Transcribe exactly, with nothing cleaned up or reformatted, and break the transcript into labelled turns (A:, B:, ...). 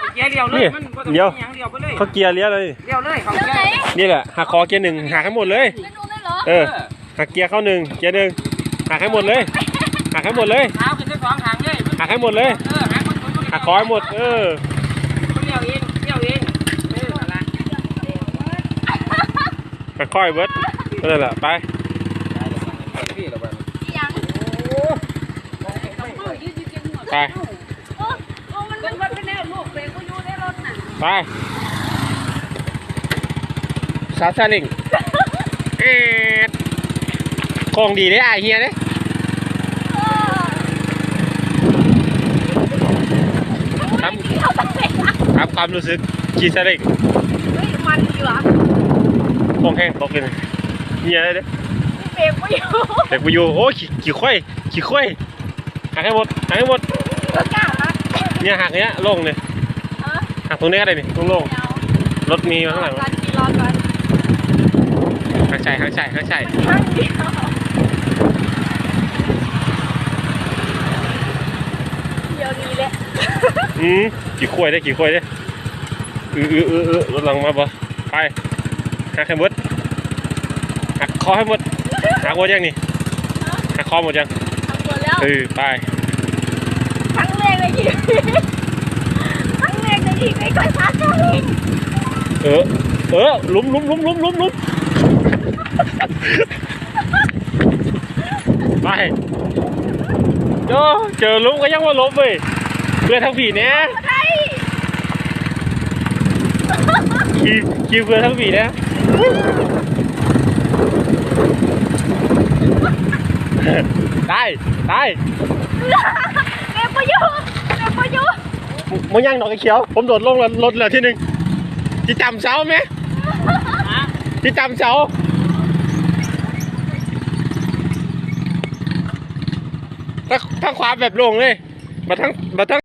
A: เกียร์เลี้ยวเลยมันเลี้ยว
B: เขาเกียร์เลี้ยวเลย
A: เลี้ยวเลยเขาเกียร์
B: นี่แหละหักคอเกียร์หนึ่งหักให้หมดเลยเออหักเกียร์เข้าหนึ่งเกียร์หนึ่งหักให้หมดเลยหักให้หมดเลย
A: เท้าขึ้นสองทางเลย
B: หักให้หมดเลยหักคอให้หมดเออ
A: เลี้ยวเองเลี้ยวเองเอออะไร
B: ค่อยๆเบิร์ดนั่นแหละไปไปไปซาซาลิงเอ็ดคงดีได้ไอเฮียเด้ครับครับความรู้สึกกีซาลิง
C: มันดีวะ
B: คงแห้งตกเลยเฮียได้เด้
C: เบรกไม่อยู่
B: เบรกไม่อยู่โอ้ขี่ขี่ค่อยขี่ค่อยหักให้หมดหักให้หมดเนี่ยหักเนี้ยลงเลยหักตรงนี้ก็ได้นี่ตรงลงรถมีมาข้างหลังหักใจหักใจหักใจ
C: เดี๋ยวนี้แหละ
B: อืมขี่ค่อยได้ขี่ค่อยได้เออเออเออเออรถหลังมาบ่ไปหักให้หมดหักคอให้หมดหักหมดยังนี่หักคอหมดยังเออไป
C: ครั้งแรกในชีวิตครั้งแรกในชีวิตไม่เคยพาเจ้าลิง
B: เออเออลุ้มลุ้มลุ้มลุ้มลุ้มลุ้มไปโย่เจอลุ้มก็ยังว่าล้มเลยเพื่อทั้งผีเนี้ยขี่ขี่เพื่อทั้งผีเนี้ยตายตาย
C: เก็บไปอยู่เก็บไปอยู่
B: มึงยังดอกไอ้เขียวผมโดดลงรถเลยที่หนึ่งที่จำเสาไหมที่จำเสาถ้าถ้าขวาแบบลงเลยมาทั้งมาทั้ง